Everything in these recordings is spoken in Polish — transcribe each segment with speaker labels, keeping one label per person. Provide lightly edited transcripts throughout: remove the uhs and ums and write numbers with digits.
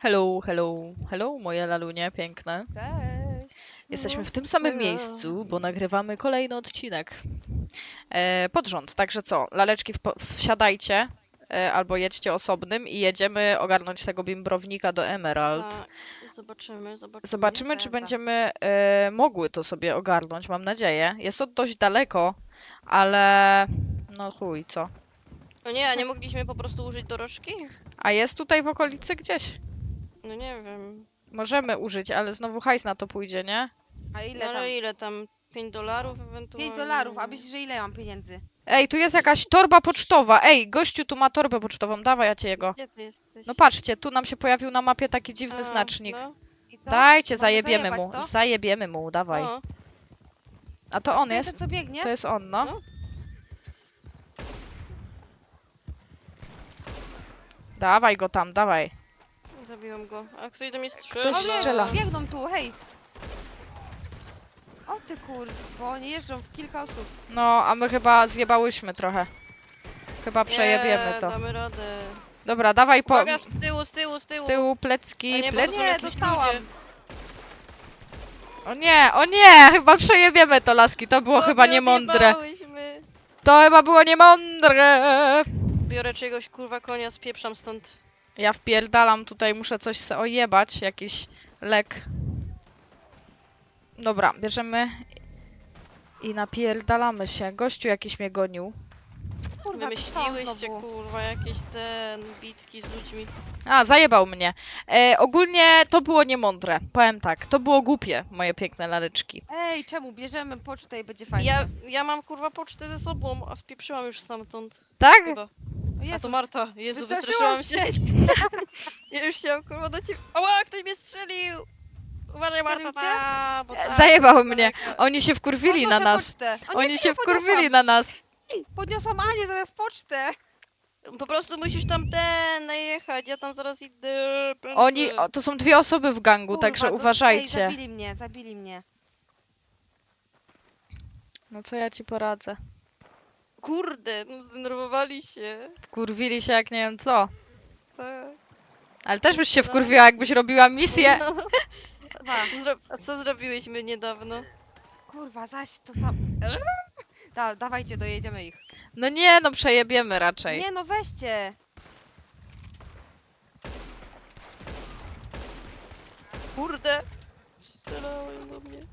Speaker 1: Hello, hello, hello, moje lalunie piękne.
Speaker 2: Cześć.
Speaker 1: Jesteśmy w tym samym
Speaker 3: Hello.
Speaker 1: miejscu, bo nagrywamy kolejny odcinek pod rząd. Także co, laleczki wsiadajcie albo jedźcie osobnym i jedziemy ogarnąć tego bimbrownika do Emerald.
Speaker 3: Tak, zobaczymy.
Speaker 1: Zobaczymy, czy
Speaker 2: Jazda.
Speaker 1: będziemy mogły to sobie ogarnąć, mam nadzieję. Jest to dość daleko, ale no chuj, co.
Speaker 3: O nie, a nie mogliśmy po prostu użyć dorożki?
Speaker 1: A jest tutaj w okolicy gdzieś?
Speaker 3: No nie wiem.
Speaker 1: Możemy użyć, ale znowu hajs na to pójdzie, nie?
Speaker 2: A
Speaker 3: No
Speaker 2: ile tam?
Speaker 3: ale ile tam? $5 ewentualnie?
Speaker 2: $5, a myślisz, że ile mam pieniędzy?
Speaker 1: Ej, tu jest jakaś torba pocztowa. Ej, gościu tu ma torbę pocztową. Dawaj, ja cię jego.
Speaker 3: Gdzie ty jesteś?
Speaker 1: No patrzcie, tu nam się pojawił na mapie taki dziwny
Speaker 3: A,
Speaker 1: znacznik.
Speaker 3: No.
Speaker 2: I co?
Speaker 1: Dajcie,
Speaker 2: Mamy
Speaker 1: zajebiemy mu.
Speaker 2: zajebać to?
Speaker 1: Zajebiemy mu, dawaj.
Speaker 3: O,
Speaker 1: A to on
Speaker 2: To
Speaker 1: jest?
Speaker 2: ten, co biegnie?
Speaker 1: To jest on, no.
Speaker 3: No.
Speaker 1: Dawaj go tam, dawaj.
Speaker 3: Zabiłam go. A ktoś do mnie strzela?
Speaker 1: Ktoś
Speaker 2: O nie,
Speaker 1: strzela.
Speaker 2: biegną tu, hej! O ty bo oni jeżdżą w kilka osób.
Speaker 1: No, a my chyba zjebałyśmy trochę. Chyba przejebiemy
Speaker 3: Nie,
Speaker 1: to.
Speaker 3: damy radę.
Speaker 1: Dobra, dawaj po
Speaker 3: Uwaga, z tyłu.
Speaker 1: tyłu
Speaker 3: A
Speaker 1: plecki,
Speaker 3: nie, bo to
Speaker 1: plecki.
Speaker 3: są
Speaker 2: Nie,
Speaker 3: jakieś
Speaker 2: dostałam.
Speaker 3: ludzie.
Speaker 1: O nie, chyba przejebiemy to, laski. To było
Speaker 3: Co
Speaker 1: chyba
Speaker 3: my
Speaker 1: niemądre.
Speaker 3: odjebałyśmy?
Speaker 1: To chyba było niemądre.
Speaker 3: Biorę czyjegoś kurwa konia, spieprzam stąd.
Speaker 1: Ja wpierdalam tutaj, muszę coś se ojebać, jakiś lek. Dobra, bierzemy i napierdalamy się. Gościu jakiś mnie gonił.
Speaker 2: Kurwa,
Speaker 3: Wymyśliłyście
Speaker 2: znowu.
Speaker 3: kurwa jakieś bitki z ludźmi.
Speaker 1: A, zajebał mnie. Ogólnie to było niemądre, powiem tak. To było głupie, moje piękne laleczki.
Speaker 2: Ej, czemu? Bierzemy pocztę i będzie fajnie.
Speaker 3: Ja mam kurwa pocztę ze sobą, a spieprzyłam już stamtąd.
Speaker 1: Tak?
Speaker 3: Chyba.
Speaker 2: O
Speaker 3: A
Speaker 2: Jezus.
Speaker 3: to Marta. Jezu,
Speaker 2: Wystraszyłam
Speaker 3: wystraszyłam się. Ja już chciałam kurwa do ciebie. Ała, ktoś mnie strzelił! Uważaj Marta,
Speaker 2: Strzelił cię?
Speaker 3: ta, bo tak,
Speaker 1: Zajebał
Speaker 3: to
Speaker 1: mnie.
Speaker 3: daleka.
Speaker 1: Oni się wkurwili na
Speaker 2: Podnoszę
Speaker 1: nas.
Speaker 2: Pocztę. O nie,
Speaker 1: Oni
Speaker 2: ty
Speaker 1: się
Speaker 2: nie podniosłam.
Speaker 1: wkurwili na nas.
Speaker 2: Ej, podniosłam Anię zamiast pocztę.
Speaker 3: Po prostu musisz tam najechać, ja tam zaraz idę.
Speaker 1: Oni, to są dwie osoby w gangu,
Speaker 2: Kurwa,
Speaker 1: także
Speaker 2: Ej,
Speaker 1: uważajcie.
Speaker 2: zabili mnie.
Speaker 1: No co ja ci poradzę?
Speaker 3: Kurde, no zdenerwowali się.
Speaker 1: Wkurwili się jak nie wiem co.
Speaker 3: Tak.
Speaker 1: Ale też byś się
Speaker 3: No.
Speaker 1: wkurwiła, jakbyś robiła misję.
Speaker 3: No.
Speaker 2: Kurwa,
Speaker 3: A co zrobiłyśmy niedawno?
Speaker 2: kurwa, zaś to sam. Dawajcie, dojedziemy ich.
Speaker 1: No nie, no przejebiemy raczej.
Speaker 2: Nie no, weźcie.
Speaker 3: Kurde! Strzelają do mnie.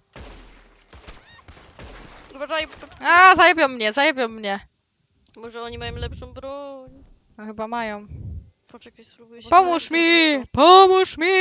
Speaker 3: Uważaj,
Speaker 1: A, zajebią mnie.
Speaker 3: może oni mają lepszą broń.
Speaker 1: No chyba mają.
Speaker 3: Poczekaj, spróbuję się...
Speaker 1: Pomóż mi!
Speaker 3: po prostu.
Speaker 1: Pomóż mi!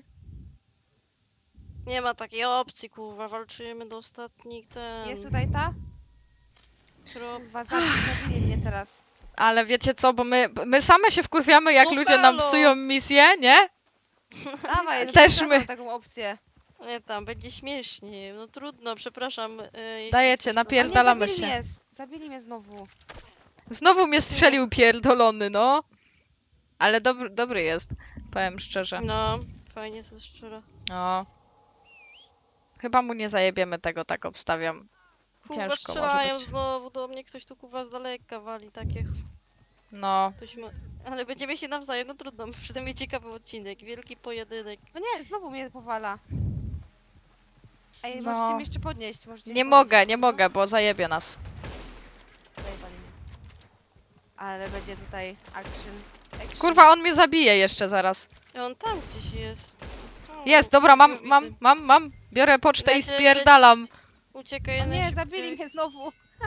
Speaker 3: Nie ma takiej opcji, kurwa, walczymy do ostatnich
Speaker 2: Jest tutaj ta? Kurwa, zabili mnie teraz.
Speaker 1: Ale wiecie co, bo my same się wkurwiamy, jak
Speaker 3: No
Speaker 1: ludzie nam
Speaker 3: halo!
Speaker 1: psują misję, nie?
Speaker 2: Dawaj,
Speaker 1: Też
Speaker 2: pokażę
Speaker 1: my.
Speaker 2: taką opcję.
Speaker 3: Nie, tam będzie śmiesznie. No trudno, przepraszam. Jeśli
Speaker 1: Dajecie,
Speaker 3: coś-
Speaker 1: napierdalamy
Speaker 2: zabili
Speaker 1: się.
Speaker 2: Mnie, zabili mnie znowu.
Speaker 1: Znowu mnie strzelił pierdolony, no. Ale dobry jest, powiem szczerze.
Speaker 3: No, fajnie to strzela.
Speaker 1: No. Chyba mu nie zajebiemy tego, tak obstawiam.
Speaker 3: Kurwa,
Speaker 1: Ciężko może
Speaker 3: strzelają
Speaker 1: być.
Speaker 3: znowu do mnie, ktoś tu kurwa z daleka wali takie.
Speaker 1: No.
Speaker 3: Ktoś ma... Ale będziemy się nawzajem, no trudno. Przynajmniej ciekawy odcinek, wielki pojedynek.
Speaker 2: No nie, znowu mnie powala. Ej,
Speaker 1: No.
Speaker 2: możecie mnie jeszcze podnieść.
Speaker 1: Nie mogę, nie mogę, bo zajebie nas.
Speaker 2: Zajebali mnie. Ale będzie tutaj action.
Speaker 1: Kurwa, on mnie zabije jeszcze zaraz.
Speaker 3: I on tam gdzieś jest. O,
Speaker 1: Jest, dobra,
Speaker 3: już go widzę.
Speaker 1: mam. Biorę pocztę i
Speaker 3: Leć, leć,
Speaker 1: spierdalam.
Speaker 3: Uciekaj
Speaker 2: O nie,
Speaker 3: najszybciej.
Speaker 2: zabili mnie znowu.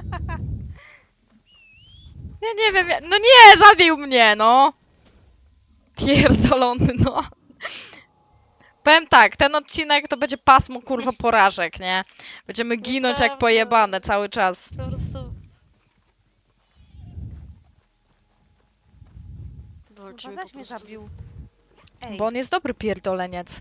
Speaker 1: Ja nie wiem, no nie, zabił mnie, no. Pierdolony, no. Powiem tak, ten odcinek to będzie pasmo, kurwa, porażek, nie? Będziemy ginąć jak
Speaker 3: Nieprawda.
Speaker 1: pojebane cały czas.
Speaker 3: Po prostu...
Speaker 2: Kurwa,
Speaker 3: Walczymy
Speaker 2: zaś
Speaker 3: po
Speaker 2: mnie
Speaker 3: prostu.
Speaker 2: zabił. Ej,
Speaker 1: Bo on jest dobry pierdoleniec.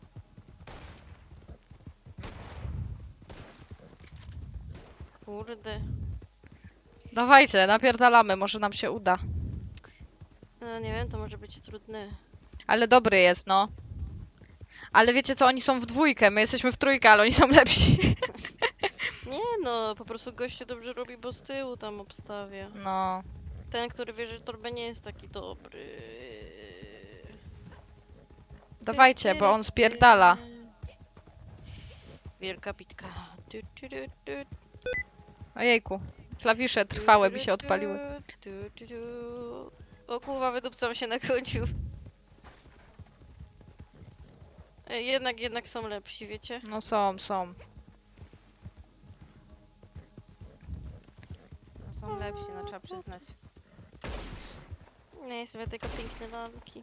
Speaker 3: Kurde.
Speaker 1: Dawajcie, napierdalamy, może nam się uda.
Speaker 3: No nie wiem, to może być trudne.
Speaker 1: Ale dobry jest, no. Ale wiecie co, oni są w dwójkę, my jesteśmy w trójkę, ale oni są lepsi.
Speaker 3: Nie no, po prostu gościu dobrze robi, bo z tyłu tam obstawia.
Speaker 1: No.
Speaker 3: Ten, który wie, że torbę nie jest taki dobry.
Speaker 1: Dawajcie, bo on spierdala.
Speaker 3: Wielka bitka.
Speaker 1: Ojejku. Klawisze trwałe mi się odpaliły.
Speaker 3: O kurwa, wydupcam się na końcu. Ej, jednak są lepsi, wiecie?
Speaker 1: No są.
Speaker 2: No, są lepsi, no trzeba przyznać.
Speaker 3: Nie jestem tylko piękne lalki.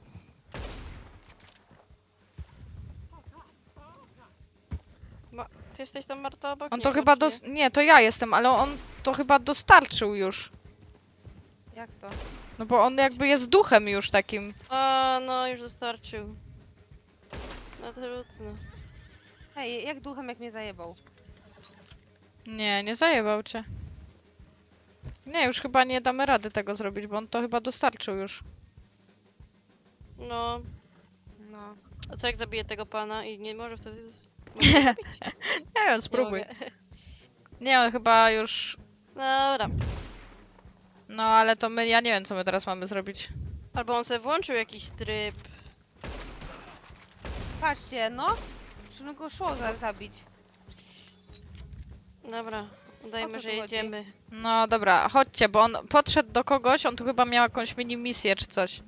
Speaker 3: Ty jesteś tam, Marta, obok?
Speaker 1: On
Speaker 3: Nie,
Speaker 1: to chyba
Speaker 3: czy nie?
Speaker 1: Nie, to ja jestem, ale on to chyba dostarczył już.
Speaker 2: Jak to?
Speaker 1: No bo on jakby jest duchem już takim.
Speaker 3: A, no już dostarczył. No trudno.
Speaker 2: Hej, jak duchem, jak mnie zajebał?
Speaker 1: Nie zajebał cię. Nie, już chyba nie damy rady tego zrobić, bo on to chyba dostarczył już.
Speaker 3: No,
Speaker 2: No.
Speaker 3: a co jak zabiję tego pana i nie może wtedy... Może go zabić?
Speaker 1: Nie wiem,
Speaker 3: Nie
Speaker 1: spróbuj.
Speaker 3: mogę.
Speaker 1: Nie, on chyba już...
Speaker 3: Dobra.
Speaker 1: No, ale to ja nie wiem, co my teraz mamy zrobić.
Speaker 3: Albo on sobie włączył jakiś tryb.
Speaker 2: Patrzcie, no. Trzeba go szło zabić.
Speaker 3: Dobra,
Speaker 2: O
Speaker 3: udajmy,
Speaker 2: co
Speaker 3: że
Speaker 2: tu chodzi?
Speaker 3: jedziemy.
Speaker 1: No dobra, chodźcie, bo on podszedł do kogoś, on tu chyba miał jakąś mini misję czy coś.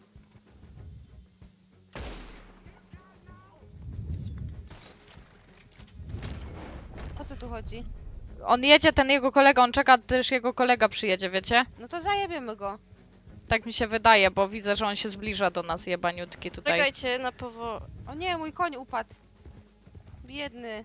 Speaker 2: O co tu chodzi?
Speaker 1: On jedzie, ten jego kolega, on czeka, też jego kolega przyjedzie, wiecie?
Speaker 2: No to zajebiemy go.
Speaker 1: Tak mi się wydaje, bo widzę, że on się zbliża do nas, jebaniutki tutaj.
Speaker 3: Czekajcie na powo...
Speaker 2: O nie, mój koń upadł. Biedny.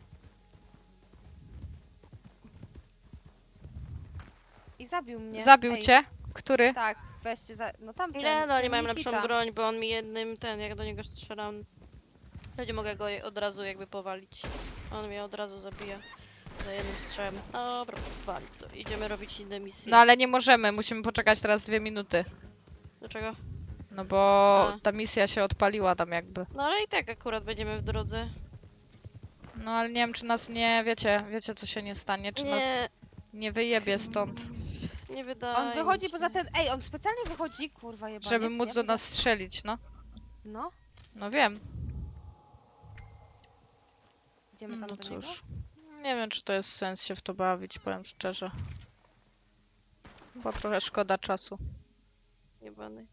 Speaker 2: I zabił mnie.
Speaker 1: Zabił
Speaker 2: Ej,
Speaker 1: cię? Który?
Speaker 2: Tak, weźcie za... No tamten.
Speaker 3: Nie, no nie
Speaker 2: ten
Speaker 3: mają
Speaker 2: Nikita.
Speaker 3: lepszą broń, bo on mi jednym jak do niego strzelam, to nie mogę go od razu jakby powalić. On mnie od razu zabija. Za jednym strzałem. Dobra, walić to. Idziemy robić inne misje.
Speaker 1: No ale nie możemy, musimy poczekać teraz 2 minuty.
Speaker 3: Dlaczego?
Speaker 1: No bo
Speaker 3: A.
Speaker 1: ta misja się odpaliła tam jakby.
Speaker 3: No ale i tak akurat będziemy w drodze.
Speaker 1: No ale nie wiem, czy nas nie, wiecie co się nie stanie, czy nas
Speaker 3: Nie,
Speaker 1: nie wyjebie stąd,
Speaker 3: nie wydaje
Speaker 2: On wychodzi
Speaker 3: mi się.
Speaker 2: poza ten... Ej, on specjalnie wychodzi, kurwa jebaniec.
Speaker 1: żeby móc
Speaker 2: ja
Speaker 1: do
Speaker 2: poza-
Speaker 1: nas strzelić, no.
Speaker 2: No,
Speaker 1: No wiem,
Speaker 2: idziemy tam
Speaker 1: no
Speaker 2: do niego.
Speaker 1: cóż. Nie wiem, czy to jest sens się w to bawić, powiem szczerze. Bo trochę szkoda czasu.
Speaker 3: Jebany.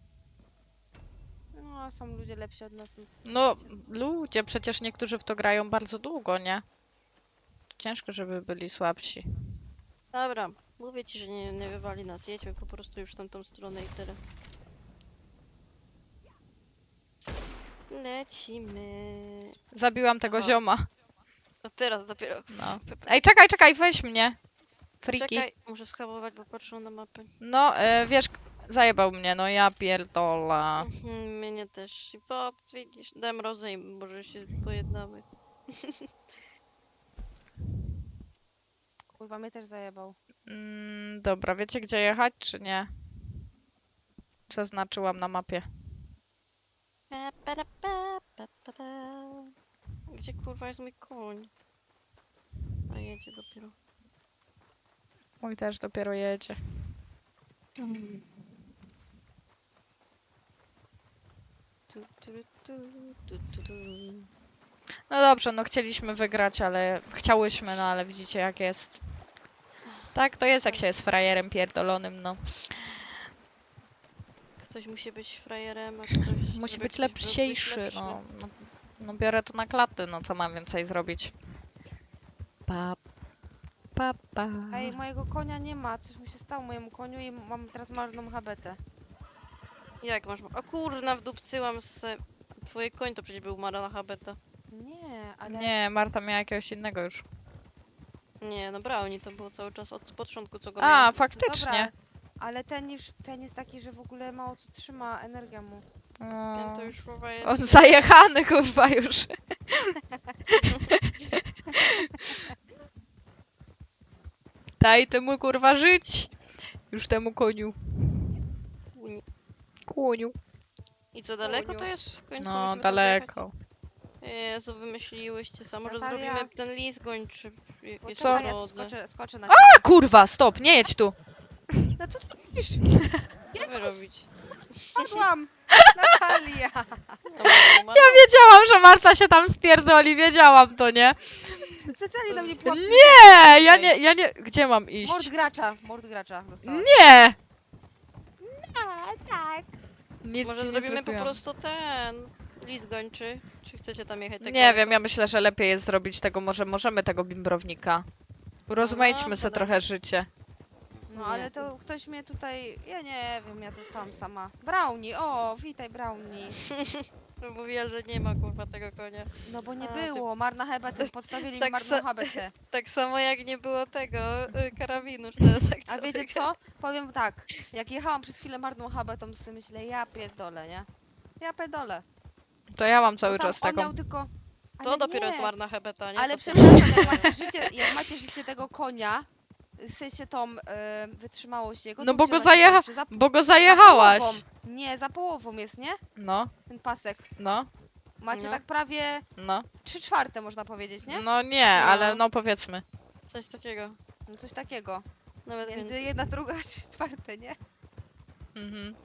Speaker 2: No, są ludzie lepsi od nas. No, to
Speaker 1: No,
Speaker 2: słuchajcie.
Speaker 1: ludzie, przecież niektórzy w to grają bardzo długo, nie? Ciężko, żeby byli słabsi.
Speaker 3: Dobra, mówię ci, że nie wywali nas. Jedźmy po prostu już w tamtą stronę i tyle. Lecimy.
Speaker 1: Zabiłam tego
Speaker 3: Aha.
Speaker 1: zioma.
Speaker 3: A teraz dopiero.
Speaker 1: No.
Speaker 3: Pepe.
Speaker 1: Ej, czekaj, weź mnie. Friki.
Speaker 3: Czekaj, muszę schabować, bo patrzę na mapę.
Speaker 1: No, wiesz, zajebał mnie, no ja pierdolę.
Speaker 3: Mnie też. I patrz, widzisz, dam rozejm, może się pojednamy.
Speaker 2: Kurwa, mnie też zajebał.
Speaker 1: Dobra, wiecie gdzie jechać, czy nie? Zaznaczyłam na mapie.
Speaker 3: Pa, pa, pa, pa, pa, pa. Gdzie kurwa jest mój koń? A jedzie dopiero.
Speaker 1: Mój też dopiero jedzie.
Speaker 3: Tu, tu, tu, tu, tu, tu.
Speaker 1: No dobrze, no chcieliśmy wygrać, ale... Chciałyśmy, no ale widzicie jak jest. Tak to jest, jak się jest frajerem pierdolonym, no.
Speaker 3: Ktoś musi być frajerem, a ktoś...
Speaker 1: Musi
Speaker 3: żeby
Speaker 1: być
Speaker 3: ktoś był
Speaker 1: lepsiejszy,
Speaker 3: lepszy.
Speaker 1: no biorę to na klatę, no co mam więcej zrobić? Pa, pa.
Speaker 2: Ej, mojego konia nie ma. Coś mu się stało mojemu koniu i mam teraz marną habetę.
Speaker 3: Jak masz... O kurna, wdupcyłam se... Twoje koń to przecież był Marana Habeta.
Speaker 2: Nie, ale...
Speaker 1: Nie, Marta miała jakiegoś innego już.
Speaker 3: Nie, no Brownie to było cały czas od początku, co go
Speaker 1: A,
Speaker 3: miałem.
Speaker 1: faktycznie.
Speaker 2: Ale ten jest taki, że w ogóle mało co trzyma, energia mu.
Speaker 3: Ten to
Speaker 1: O,
Speaker 3: już chyba jest...
Speaker 1: on zajechany kurwa już. Daj temu kurwa żyć. Już temu koniu. Koniu.
Speaker 3: I co, daleko
Speaker 2: Koniu.
Speaker 3: to jest? W końcu
Speaker 1: No,
Speaker 3: musimy tam dojechać?
Speaker 1: daleko.
Speaker 3: Jezu, wymyśliłyście sam. Może
Speaker 2: Natalia.
Speaker 3: zrobimy ten list gończy. Jest
Speaker 2: Poczekaj,
Speaker 3: po
Speaker 2: ja tu
Speaker 3: drodze.
Speaker 2: skoczę na
Speaker 1: A kurwa, stop, nie jedź tu.
Speaker 2: No co ty robisz?
Speaker 3: Co wy robić?
Speaker 2: Spadłam! Natalia!
Speaker 3: Ja
Speaker 1: wiedziałam, że Marta się tam spierdoli, wiedziałam to, nie?
Speaker 2: Specjalnie na mnie pułapki.
Speaker 1: Nie, ja nie, gdzie mam iść?
Speaker 2: Mord gracza dostałam.
Speaker 1: Nie!
Speaker 2: Tak.
Speaker 1: Nic
Speaker 3: Może
Speaker 1: ci nie
Speaker 3: zrobimy po
Speaker 1: zrobiłam.
Speaker 3: prostu ten list gończy. Czy chcecie tam jechać?
Speaker 1: Nie wiem, ja myślę, że lepiej jest zrobić tego, może możemy tego bimbrownika. Urozmaićmy
Speaker 3: dobra,
Speaker 1: sobie
Speaker 3: dobra.
Speaker 1: trochę życie.
Speaker 2: No
Speaker 3: Nie.
Speaker 2: ale to ktoś mnie tutaj, ja nie wiem, ja zostałam sama. Brownie, o, witaj Brownie.
Speaker 3: Mówiła, że nie ma kurwa tego konia.
Speaker 2: No bo nie
Speaker 3: A, ty-
Speaker 2: było, marna hebetę, podstawili
Speaker 3: tak
Speaker 2: mi marną
Speaker 3: se-
Speaker 2: hebetę.
Speaker 3: Tak samo jak nie było tego karabinu, czy tak
Speaker 2: A wiecie co? Powiem tak, jak jechałam przez chwilę marną hebetą, to sobie myślę, ja pierdolę, nie? Ja pierdolę.
Speaker 1: To ja mam
Speaker 2: Bo
Speaker 1: cały
Speaker 2: tam
Speaker 1: czas
Speaker 2: on
Speaker 1: taką.
Speaker 2: miał tylko...
Speaker 3: To
Speaker 2: Ale
Speaker 3: dopiero
Speaker 2: nie.
Speaker 3: jest marna hebeta, nie?
Speaker 2: Ale
Speaker 3: To co-
Speaker 2: przepraszam, jak macie życie tego konia, w sensie tą wytrzymałość jego,
Speaker 1: No
Speaker 2: to
Speaker 1: bo
Speaker 2: gdzie
Speaker 1: go
Speaker 2: ona się
Speaker 1: zajecha-
Speaker 2: kończy?
Speaker 1: Bo go
Speaker 2: Za
Speaker 1: zajechałaś.
Speaker 2: połową. Nie, za połową jest, nie?
Speaker 1: No,
Speaker 2: Ten pasek.
Speaker 1: no,
Speaker 2: Macie
Speaker 3: No.
Speaker 2: tak prawie
Speaker 1: no.
Speaker 2: 3/4 można powiedzieć, nie?
Speaker 1: No nie, ale no powiedzmy.
Speaker 3: Coś takiego.
Speaker 2: No coś takiego.
Speaker 3: Nawet
Speaker 2: Między
Speaker 3: więcej.
Speaker 2: 1/2 a 3/4, nie?
Speaker 1: Mhm.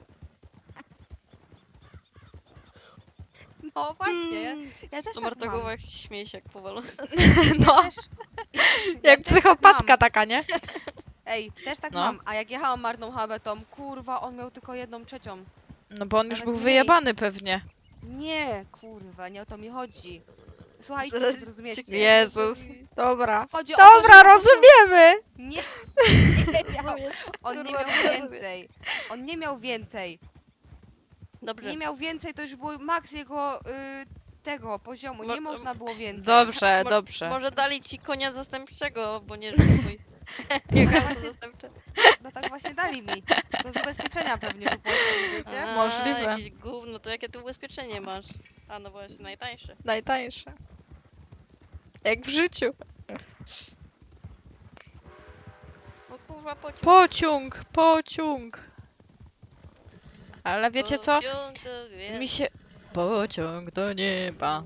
Speaker 2: No właśnie, ja też
Speaker 3: To
Speaker 2: tak
Speaker 3: Marta
Speaker 2: mam.
Speaker 3: Głowak śmieje się jak powalona.
Speaker 1: No,
Speaker 2: Też,
Speaker 1: jak
Speaker 2: też tak
Speaker 1: psychopatka
Speaker 2: mam.
Speaker 1: taka, nie?
Speaker 2: Ej, też tak
Speaker 1: No.
Speaker 2: mam. A jak jechałam marną habetą, kurwa, on miał tylko 1/3.
Speaker 1: No bo on już
Speaker 2: Nawet
Speaker 1: był
Speaker 2: mniej.
Speaker 1: wyjebany pewnie.
Speaker 2: Nie, kurwa, nie o to mi chodzi. Słuchajcie,
Speaker 3: Zaraz
Speaker 2: zrozumiecie.
Speaker 3: cię-
Speaker 1: Jezus. Dobra.
Speaker 2: Chodzi o to,
Speaker 1: Dobra,
Speaker 2: że po prostu
Speaker 1: rozumiemy.
Speaker 2: Nie, nie miał. On nie miał więcej. On nie miał więcej.
Speaker 3: Dobrze.
Speaker 2: Nie miał więcej, to już był maks jego tego poziomu.
Speaker 3: Mo-
Speaker 2: Nie można było więcej.
Speaker 1: Dobrze,
Speaker 3: Mo-
Speaker 1: dobrze.
Speaker 3: Może dali ci konia zastępczego, bo nie żył twój. Nie
Speaker 2: No
Speaker 3: auto
Speaker 2: właśnie-
Speaker 3: zastępcze.
Speaker 2: No tak właśnie dali mi. To z ubezpieczenia pewnie wypłacili, wiecie?
Speaker 3: A,
Speaker 1: Możliwe.
Speaker 3: Jakieś gówno, to jakie ty ubezpieczenie masz? A no właśnie, najtańsze.
Speaker 1: Najtańsze. Jak w życiu.
Speaker 3: No kurwa pociąg.
Speaker 1: Pociąg, pociąg. Ale wiecie co?
Speaker 3: Pociąg do gwiazd.
Speaker 1: Mi się... Pociąg do nieba.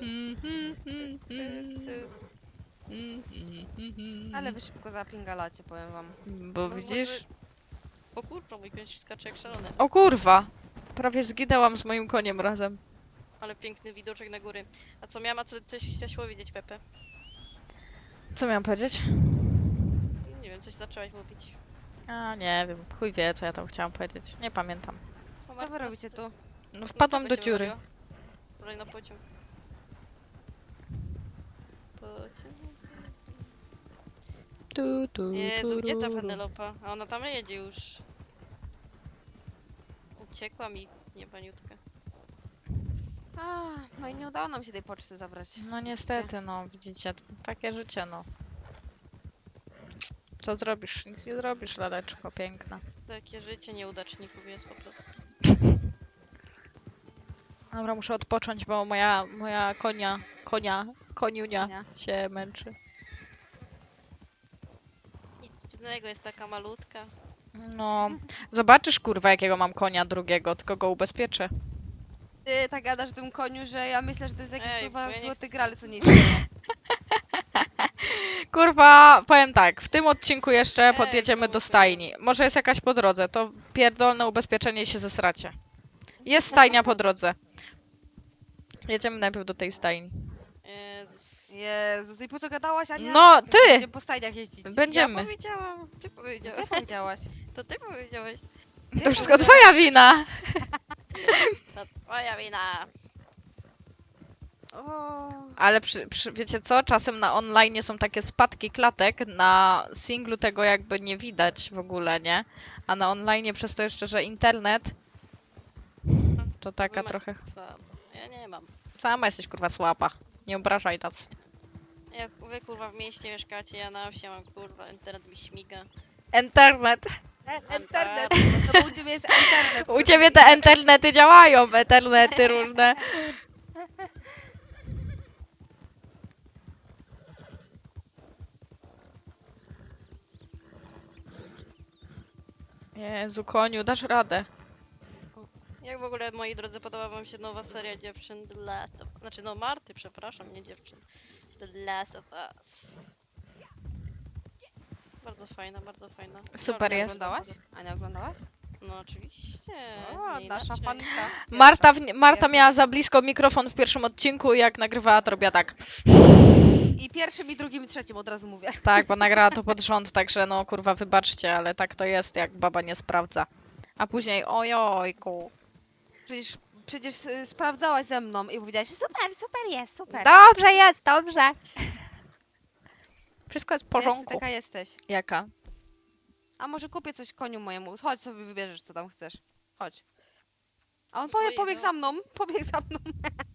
Speaker 2: Ale wy szybko zapingalacie, powiem wam.
Speaker 1: Bo
Speaker 3: No
Speaker 1: widzisz?
Speaker 3: może- O kurwa, mój koń skacze jak szalony.
Speaker 1: O kurwa! Prawie zginęłam z moim koniem razem.
Speaker 3: Ale piękny widoczek na góry. A co miała, coś chciałaś powiedzieć, Pepe?
Speaker 1: Co miałam powiedzieć?
Speaker 3: Nie wiem, coś zaczęłaś mówić.
Speaker 1: A nie wiem, chuj wie co ja tam chciałam powiedzieć. Nie pamiętam.
Speaker 3: O,
Speaker 2: Co
Speaker 3: Marta,
Speaker 2: wy robicie tu?
Speaker 1: No wpadłam
Speaker 3: czego
Speaker 1: do
Speaker 3: się
Speaker 1: dziury.
Speaker 3: wywaliła? Wczoraj na pociąg. Pociąg. Jezu, gdzie ta Penelopa? A ona tam jedzie już. Uciekła mi niebaniutka.
Speaker 2: A, no i nie udało nam się tej poczty zabrać.
Speaker 1: No niestety, no widzicie, takie życie, no. Co zrobisz? Nic nie zrobisz, laleczko piękna.
Speaker 3: Takie życie nieudaczników jest po prostu.
Speaker 1: Dobra, muszę odpocząć, bo moja koniunia
Speaker 2: Nie.
Speaker 1: się męczy.
Speaker 3: Nic dziwnego, jest taka malutka.
Speaker 1: No, zobaczysz kurwa jakiego mam konia drugiego, tylko go ubezpieczę.
Speaker 2: Ty tak gadasz o tym koniu, że ja myślę, że to jest jakiś
Speaker 3: Ej,
Speaker 2: kurwa
Speaker 3: bo ja nie
Speaker 2: złoty
Speaker 3: chcę-
Speaker 2: gral, co nie istnieje.
Speaker 1: Kurwa, powiem tak, w tym odcinku jeszcze
Speaker 3: Ej,
Speaker 1: podjedziemy do
Speaker 3: kurwa.
Speaker 1: stajni. Może jest jakaś po drodze, to pierdolne ubezpieczenie i się zesracie. Jest stajnia po drodze. Jedziemy najpierw do tej stajni.
Speaker 3: Jezus.
Speaker 2: Jezus, i po co gadałaś, Ania?
Speaker 1: No, ty!
Speaker 2: Będziemy po stajniach jeździć.
Speaker 1: Będziemy.
Speaker 3: Ja powiedziałam, ty
Speaker 2: Ty
Speaker 3: powiedziałeś.
Speaker 2: powiedziałaś.
Speaker 3: To ty powiedziałeś.
Speaker 1: To wszystko twoja wina!
Speaker 3: To twoja wina.
Speaker 2: O,
Speaker 1: Ale wiecie co? Czasem na online są takie spadki klatek, na singlu tego jakby nie widać w ogóle, nie? A na online przez to jeszcze, że internet, to taka
Speaker 3: Wy macie
Speaker 1: trochę...
Speaker 3: słabo. Ja nie mam.
Speaker 1: Sama jesteś kurwa słaba. Nie obrażaj nas.
Speaker 3: Jak wy kurwa w mieście mieszkacie, ja na wsi mam kurwa, internet mi śmiga.
Speaker 1: Internet!
Speaker 2: internet. No bo u ciebie jest internet.
Speaker 1: U ciebie te internety działają, internety różne. Jezu, koniu, dasz radę.
Speaker 3: Jak w ogóle, moi drodzy, podoba wam się nowa seria dziewczyn The Last of... Znaczy, no Marty, przepraszam, nie dziewczyn. The Last of Us. Bardzo fajna, bardzo fajna.
Speaker 1: Super
Speaker 3: Bardzo
Speaker 1: jest.
Speaker 2: Oglądałaś? Ania, oglądałaś?
Speaker 3: No oczywiście.
Speaker 2: O,
Speaker 3: nie
Speaker 2: nasza
Speaker 3: inaczej.
Speaker 2: fanka.
Speaker 1: Marta miała za blisko mikrofon w pierwszym odcinku i jak nagrywała, to robiła tak.
Speaker 2: I pierwszym, i drugim, i trzecim od razu mówię.
Speaker 1: Tak, bo nagrała to pod rząd, także no kurwa wybaczcie, ale tak to jest, jak baba nie sprawdza. A później ojojku.
Speaker 2: Przecież sprawdzałaś ze mną i powiedziałaś, super, super jest, super.
Speaker 1: Dobrze jest, dobrze. Wszystko jest w
Speaker 2: Wiesz, ty
Speaker 1: porządku.
Speaker 2: taka jesteś.
Speaker 1: Jaka?
Speaker 2: A może kupię coś koniu mojemu. Chodź sobie wybierzesz, co tam chcesz. Chodź. A on
Speaker 3: Swojego.
Speaker 2: pobiegł za mną, pobiegł za mną.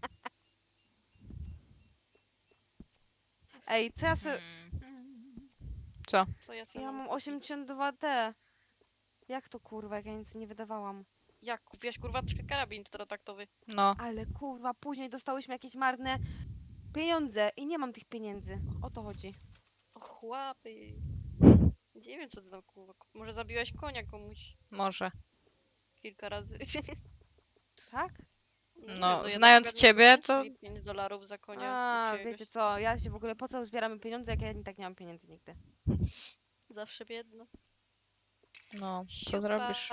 Speaker 2: Ej, co ja sobie...
Speaker 1: Co?
Speaker 3: Co ja sobie
Speaker 2: Ja mam
Speaker 3: kupić?
Speaker 2: 82D. Jak to kurwa, jak ja nic nie wydawałam.
Speaker 3: Jak kupiłaś kurwa karabin czterotaktowy?
Speaker 1: No.
Speaker 2: Ale kurwa, później dostałyśmy jakieś marne pieniądze i nie mam tych pieniędzy. O to chodzi.
Speaker 3: O chłopy. Nie wiem co ty tam kurwa. Może zabiłaś konia komuś
Speaker 1: Może.
Speaker 3: kilka razy.
Speaker 2: Tak?
Speaker 3: Nie
Speaker 1: No,
Speaker 3: wiem, ja
Speaker 1: znając
Speaker 3: na przykład
Speaker 1: ciebie,
Speaker 3: nie
Speaker 1: to-
Speaker 3: kupię $5 za konia.
Speaker 2: A,
Speaker 3: jakiegoś.
Speaker 2: wiecie co, ja się w ogóle, po co zbieramy pieniądze, jak ja i tak nie mam pieniędzy nigdy.
Speaker 3: Zawsze biedna.
Speaker 1: No, co
Speaker 3: Siupa.
Speaker 1: zrobisz?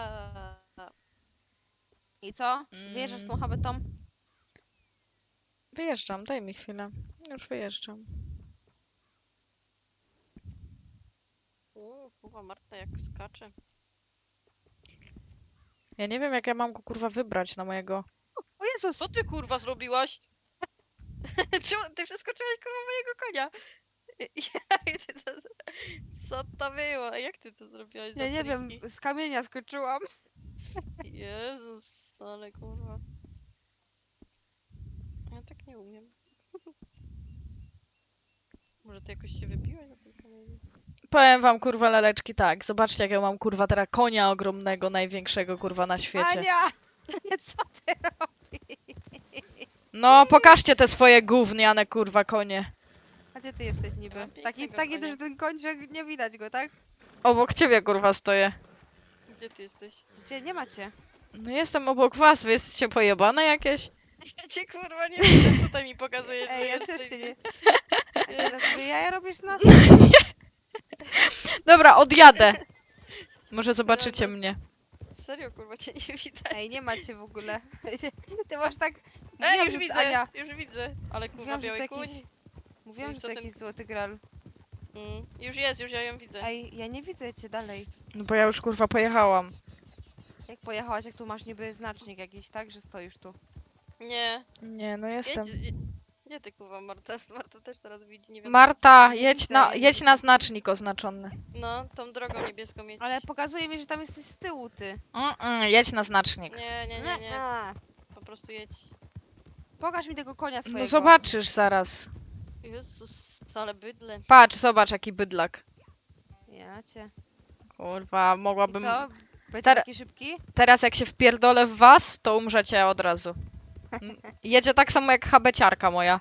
Speaker 2: I co? Wyjeżdżasz z tą habetą?
Speaker 1: Wyjeżdżam, daj mi chwilę. Już wyjeżdżam.
Speaker 3: Kurwa Marta jak skacze.
Speaker 1: Ja nie wiem, jak ja mam go kurwa wybrać na mojego.
Speaker 2: O Jezus!
Speaker 3: Co ty kurwa zrobiłaś? Czemu ty przeskoczyłaś kurwa mojego konia? Jak ty to... Co to było? Jak ty to zrobiłaś za
Speaker 2: Ja nie wiem,
Speaker 3: triki?
Speaker 2: z kamienia skoczyłam.
Speaker 3: Jezus, ale kurwa. Ja tak nie umiem. Może ty jakoś się wybiłaś na tym kamieniu?
Speaker 1: Powiem wam kurwa laleczki tak. Zobaczcie, jak ja mam kurwa teraz konia ogromnego, największego kurwa na świecie.
Speaker 2: Ania! Co ty robisz?
Speaker 1: No, pokażcie te swoje gówniane kurwa konie.
Speaker 2: A gdzie ty jesteś
Speaker 3: Ja
Speaker 2: niby?
Speaker 3: mam
Speaker 2: Taki,
Speaker 3: pięknego
Speaker 2: taki
Speaker 3: konia.
Speaker 2: że ten kończyk nie widać go, tak?
Speaker 1: Obok ciebie kurwa stoję.
Speaker 3: Gdzie ty jesteś?
Speaker 2: Gdzie nie macie?
Speaker 1: No jestem obok was, wy jesteście pojebane jakieś?
Speaker 3: Ja cię kurwa nie wiem, tutaj mi pokazuje,
Speaker 2: Ej,
Speaker 3: że
Speaker 2: ja też cię nie...
Speaker 3: jesteś.
Speaker 2: A ty na sobie jaja robisz na...
Speaker 1: Dobra, odjadę. Może zobaczycie mnie.
Speaker 3: Serio kurwa cię nie widać.
Speaker 2: Ej, nie macie w ogóle. Ty masz tak...
Speaker 3: Ej,
Speaker 2: Mówiłam,
Speaker 3: już
Speaker 2: że
Speaker 3: widzę,
Speaker 2: Ania,
Speaker 3: już widzę. Ale kurwa
Speaker 2: mówiłam, że to
Speaker 3: biały
Speaker 2: jakiś...
Speaker 3: kuń.
Speaker 2: Mówiłam,
Speaker 3: Ej,
Speaker 2: że
Speaker 3: co
Speaker 2: to
Speaker 3: ten-
Speaker 2: jakiś złoty gral.
Speaker 3: Już jest, już ja ją widzę.
Speaker 2: Ej, ja nie widzę cię dalej.
Speaker 1: No bo ja już kurwa pojechałam.
Speaker 2: Jak pojechałaś, jak tu masz niby znacznik jakiś, tak? Że stoisz tu.
Speaker 3: Nie,
Speaker 1: Nie, no jestem.
Speaker 3: Gdzie ty kurwa Marta? Marta też teraz widzi, nie wiem.
Speaker 1: Marta,
Speaker 2: Nie
Speaker 1: jedź
Speaker 2: widzę,
Speaker 1: na,
Speaker 2: ja nie
Speaker 1: jedź na
Speaker 2: widzę.
Speaker 1: znacznik oznaczony.
Speaker 3: No, tą drogą niebieską mieć.
Speaker 2: Ale pokazuje mi, że tam jesteś z tyłu, ty.
Speaker 1: Jedź na znacznik.
Speaker 3: Nie. Po prostu jedź.
Speaker 2: Pokaż mi tego konia swojego.
Speaker 1: No zobaczysz zaraz.
Speaker 3: Jezus, ale bydle.
Speaker 1: Patrz, zobacz jaki bydlak.
Speaker 2: Ja cię.
Speaker 1: Kurwa,
Speaker 2: I
Speaker 1: mogłabym...
Speaker 2: co? Będzie
Speaker 1: Ter-
Speaker 2: taki szybki?
Speaker 1: Teraz jak się wpierdolę w was, to umrzecie od razu. Jedzie tak samo jak habeciarka moja.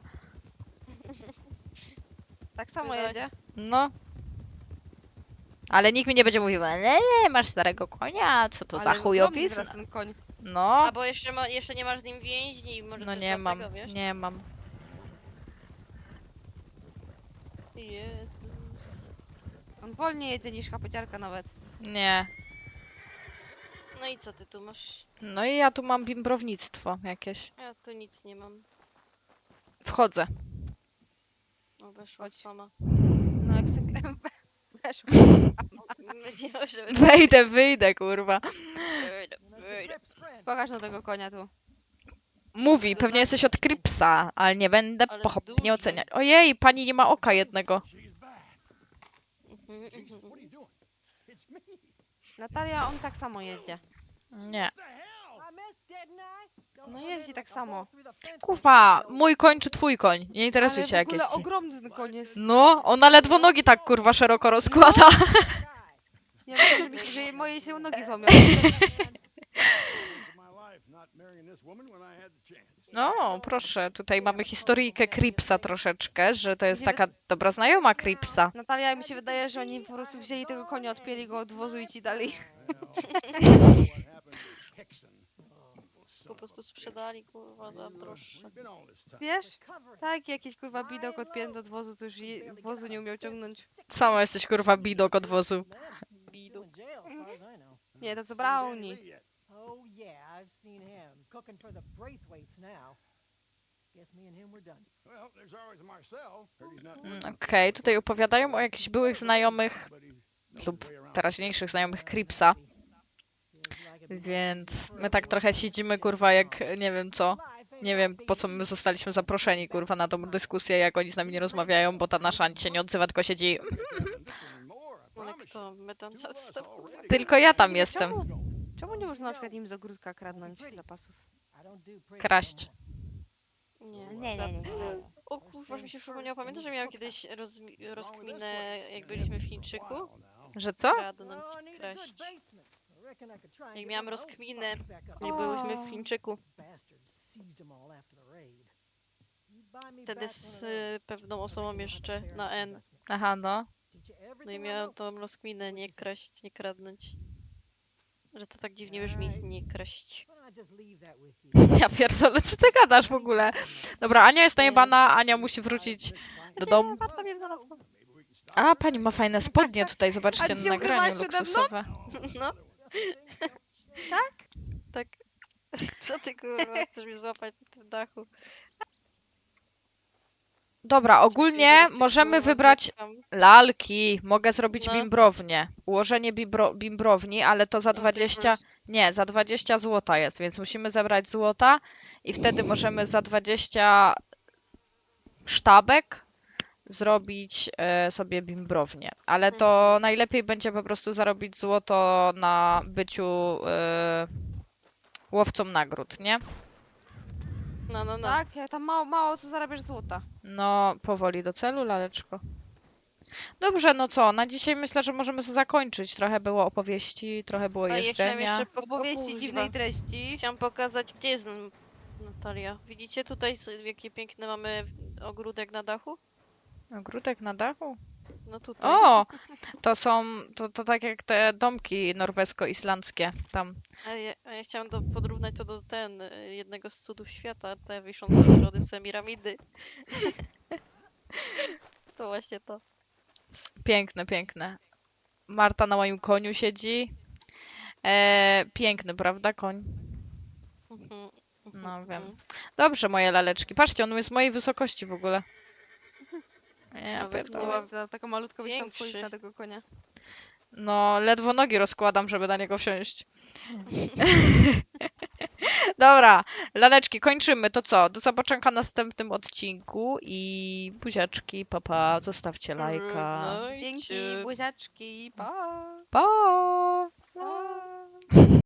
Speaker 2: Tak samo
Speaker 3: Wydać.
Speaker 2: jedzie.
Speaker 1: No. Ale nikt mi nie będzie mówił, masz starego konia, co to za
Speaker 2: Ale ogromny
Speaker 1: chujowizna.
Speaker 2: teraz ten koń.
Speaker 1: No,
Speaker 3: A bo jeszcze nie masz z nim więźni, może
Speaker 1: no
Speaker 3: to
Speaker 1: nie mam,
Speaker 3: dlatego, wiesz?
Speaker 1: nie mam.
Speaker 3: Jezus.
Speaker 2: On wolniej jedzie niż chapeciarka nawet.
Speaker 1: Nie.
Speaker 3: No i co ty tu masz?
Speaker 1: No i ja tu mam bimbrownictwo jakieś.
Speaker 3: Ja tu nic nie mam.
Speaker 1: Wchodzę.
Speaker 3: O, weszła sama.
Speaker 2: No jak zwykle weszło.
Speaker 3: Wiedziałem, że
Speaker 1: Wejdę, wyjdę, kurwa.
Speaker 3: wyjdę.
Speaker 2: Pokaż na tego konia tu.
Speaker 1: Mówi, pewnie jesteś od Kripsa, ale nie będę
Speaker 3: Ale
Speaker 1: pochopnie
Speaker 3: duży.
Speaker 1: oceniać. Ojej, pani nie ma oka jednego.
Speaker 2: Natalia, on tak samo jeździ.
Speaker 1: Nie.
Speaker 2: No jeździ tak samo.
Speaker 1: Kurwa, mój koń czy twój koń? Nie interesuje
Speaker 2: Ale
Speaker 1: cię
Speaker 2: w
Speaker 1: jak
Speaker 2: ogóle
Speaker 1: jest.
Speaker 2: ogromny ten koń jest.
Speaker 1: No, ona ledwo nogi tak kurwa szeroko rozkłada.
Speaker 2: Ja myślę, że moje się nogi złamią.
Speaker 1: No, proszę, tutaj mamy historyjkę Kripsa troszeczkę, że to jest taka dobra znajoma Kripsa.
Speaker 2: Natalia, mi się wydaje, że oni po prostu wzięli tego konia, odpięli go od wozu i ci dali.
Speaker 3: Po prostu sprzedali kurwa za droższe.
Speaker 2: Wiesz? Tak, jakiś kurwa bidok odpięty od wozu, to już wozu nie umiał ciągnąć.
Speaker 1: Sama jesteś kurwa bidok od wozu.
Speaker 3: Bidu.
Speaker 2: Nie, to co Brownie.
Speaker 4: Oh yeah, I've seen him cooking for the Braithwaites now. Guess me and him were done.
Speaker 5: Well, there's always Marcel. Heard he's not working
Speaker 1: Okej, tutaj opowiadają o jakichś byłych znajomych
Speaker 5: but he's knows
Speaker 1: lub
Speaker 5: his way around.
Speaker 1: teraźniejszych znajomych Cripsa, więc my tak trochę siedzimy, kurwa, jak nie wiem co. Nie wiem, po co my zostaliśmy zaproszeni, kurwa, na tą dyskusję, jak oni z nami nie rozmawiają, bo ta nasza nic się nie odzywa, tylko siedzi.
Speaker 3: Ale kto? My tam został, kurwa.
Speaker 1: Tylko ja tam jestem.
Speaker 2: Czemu nie można na przykład im z ogródka kradnąć zapasów?
Speaker 1: Kraść.
Speaker 3: Nie,
Speaker 2: Nie.
Speaker 3: O kurwa, mi się przypomniało. Pamiętasz, że miałam kiedyś rozkminę, jak byliśmy w Chińczyku?
Speaker 1: Że co?
Speaker 3: Kradnąć, kraść. Jak miałam rozkminę, jak byłyśmy w Chińczyku. Wtedy z pewną osobą jeszcze na N.
Speaker 1: Aha, no.
Speaker 3: No i miałam tą rozkminę, nie kraść, nie kradnąć. Że to tak dziwnie brzmi, nie kraść.
Speaker 1: Ja pierdolę, co ty gadasz w ogóle? Dobra, Ania jest najebana, Ania musi wrócić do domu.
Speaker 3: Marta mnie znalazła.
Speaker 1: A, pani ma fajne spodnie tutaj, zobaczcie
Speaker 2: A ty
Speaker 1: na
Speaker 2: się
Speaker 1: nagraniu
Speaker 2: ukrywałaś przede mną?
Speaker 1: luksusowe.
Speaker 3: No.
Speaker 2: Tak?
Speaker 3: Tak. Co ty kurwa, chcesz mnie złapać na tym dachu?
Speaker 1: Dobra, ogólnie
Speaker 3: Czekaj,
Speaker 1: możemy
Speaker 3: kurwa,
Speaker 1: wybrać
Speaker 3: zerkam.
Speaker 1: lalki. Mogę zrobić
Speaker 3: No.
Speaker 1: bimbrownię. Ułożenie bimbrowni, ale to za
Speaker 3: No, to
Speaker 1: 20...
Speaker 3: już-
Speaker 1: Nie, za 20 złota jest, więc musimy zebrać złota i wtedy możemy za 20 sztabek zrobić sobie bimbrownię. Ale to najlepiej będzie po prostu zarobić złoto na byciu łowcą nagród, nie?
Speaker 3: No.
Speaker 2: Tak, ja tam mało co zarabiasz złota.
Speaker 1: No, powoli do celu, laleczko. Dobrze, no co, na dzisiaj myślę, że możemy sobie zakończyć. Trochę było opowieści, trochę było
Speaker 3: A ja chciałam
Speaker 1: jeżdżenia.
Speaker 3: jeszcze
Speaker 2: Opowieści dziwnej treści.
Speaker 3: Chciałam pokazać, gdzie jest Natalia. Widzicie tutaj, jaki piękny mamy ogródek na dachu?
Speaker 1: Ogródek na dachu?
Speaker 3: No tutaj.
Speaker 1: O! To są, to tak jak te domki norwesko-islandzkie tam.
Speaker 3: A ja chciałam porównać to do jednego z cudów świata, te wiszące ogrody Semiramindy. To właśnie to.
Speaker 1: Piękne, piękne. Marta na moim koniu siedzi. Piękny, prawda, koń?
Speaker 3: Mhm,
Speaker 1: No,
Speaker 3: mhm,
Speaker 1: wiem.
Speaker 3: mhm.
Speaker 1: Dobrze, moje laleczki. Patrzcie, on jest mojej wysokości w ogóle. Ja
Speaker 3: Nawet
Speaker 1: pierdolę.
Speaker 3: była-
Speaker 2: Za taką malutką byś tam
Speaker 3: Większy.
Speaker 2: wchodzić na tego konia.
Speaker 1: No, ledwo nogi rozkładam, żeby na niego wsiąść. Dobra, laleczki, kończymy. To co? Do zobaczenia w następnym odcinku i buziaczki, papa, zostawcie lajka.
Speaker 3: Żegnajcie.
Speaker 2: Dzięki, buziaczki, pa!
Speaker 1: Pa!
Speaker 2: pa.